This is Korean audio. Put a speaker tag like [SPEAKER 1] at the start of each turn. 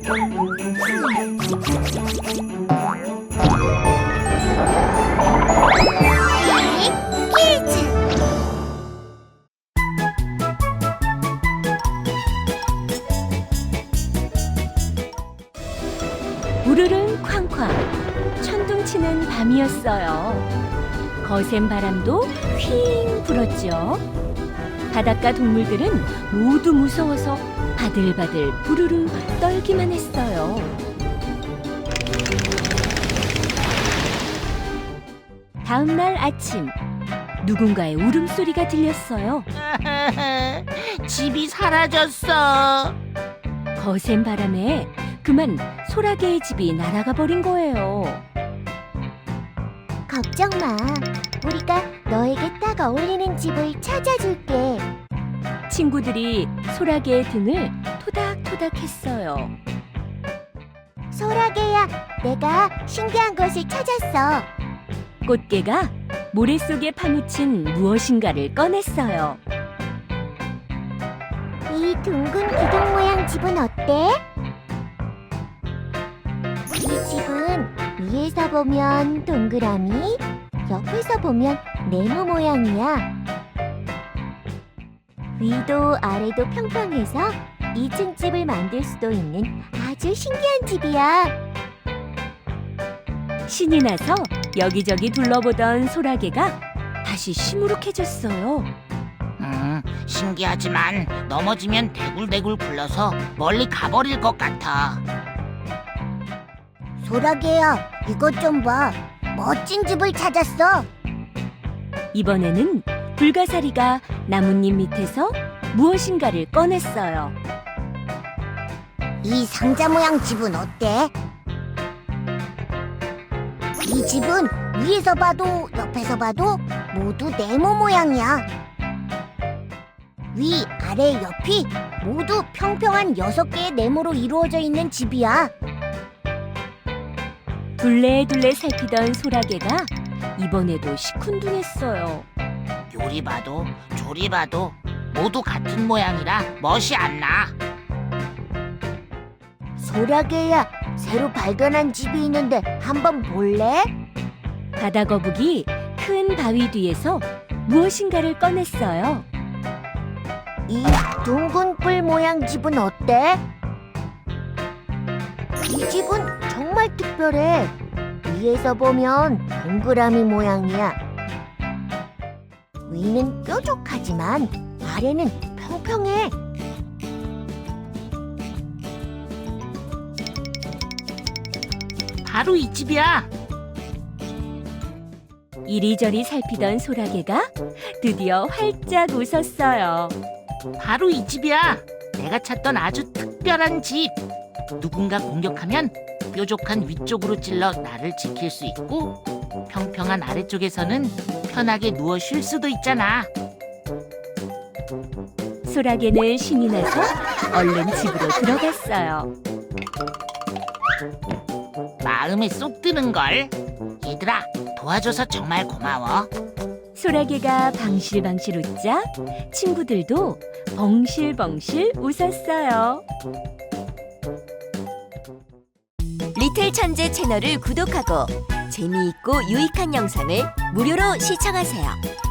[SPEAKER 1] 퀴즈!
[SPEAKER 2] 우르릉 쾅쾅 천둥치는 밤이었어요. 거센 바람도 휘잉 불었죠. 바닷가 동물들은 모두 무서워서 바들바들 부르르 떨기만 했어요. 다음 날 아침 누군가의 울음소리가 들렸어요.
[SPEAKER 3] 집이 사라졌어.
[SPEAKER 2] 거센 바람에 그만 소라게의 집이 날아가 버린 거예요.
[SPEAKER 1] 걱정 마. 우리가 너에게 딱 어울리는 집을 찾아줄게.
[SPEAKER 2] 친구들이 소라게의 등을 토닥토닥 했어요.
[SPEAKER 1] 소라게야, 내가 신기한 것을 찾았어.
[SPEAKER 2] 꽃게가 모래 속에 파묻힌 무엇인가를 꺼냈어요.
[SPEAKER 1] 이 둥근 기둥 모양 집은 어때? 이 집은 위에서 보면 동그라미, 옆에서 보면 네모 모양이야. 위도 아래도 평평해서 2층 집을 만들 수도 있는 아주 신기한 집이야.
[SPEAKER 2] 신이 나서 여기저기 둘러보던 소라게가 다시 시무룩해졌어요.
[SPEAKER 3] 신기하지만 넘어지면 대굴대굴 굴러서 멀리 가버릴 것 같아.
[SPEAKER 1] 소라게야, 이것 좀 봐. 멋진 집을 찾았어.
[SPEAKER 2] 이번에는 불가사리가 나뭇잎 밑에서 무엇인가를 꺼냈어요.
[SPEAKER 1] 이 상자 모양 집은 어때? 이 집은 위에서 봐도 옆에서 봐도 모두 네모 모양이야. 위, 아래, 옆이 모두 평평한 6개의 네모로 이루어져 있는 집이야.
[SPEAKER 2] 둘레둘레 살피던 소라게가 이번에도 시큰둥했어요.
[SPEAKER 3] 요리 봐도 조리 봐도 모두 같은 모양이라 멋이 안 나.
[SPEAKER 1] 소라게야, 새로 발견한 집이 있는데 한번 볼래?
[SPEAKER 2] 바다거북이 큰 바위 뒤에서 무엇인가를 꺼냈어요.
[SPEAKER 1] 이 둥근 뿔 모양 집은 어때? 이 집은 정말 특별해. 위에서 보면 동그라미 모양이야. 위는 뾰족하지만 아래는 평평해.
[SPEAKER 3] 바로 이 집이야.
[SPEAKER 2] 이리저리 살피던 소라게가 드디어 활짝 웃었어요.
[SPEAKER 3] 바로 이 집이야. 내가 찾던 아주 특별한 집. 누군가 공격하면 뾰족한 위쪽으로 찔러 나를 지킬 수 있고 평평한 아래쪽에서는 편하게 누워 쉴 수도 있잖아.
[SPEAKER 2] 소라게는 신이 나서 얼른 집으로 들어갔어요.
[SPEAKER 3] 마음에 쏙 드는걸. 얘들아, 도와줘서 정말 고마워.
[SPEAKER 2] 소라게가 방실방실 웃자 친구들도 벙실벙실 웃었어요.
[SPEAKER 4] 리틀 천재 채널을 구독하고 재미있고 유익한 영상을 무료로 시청하세요.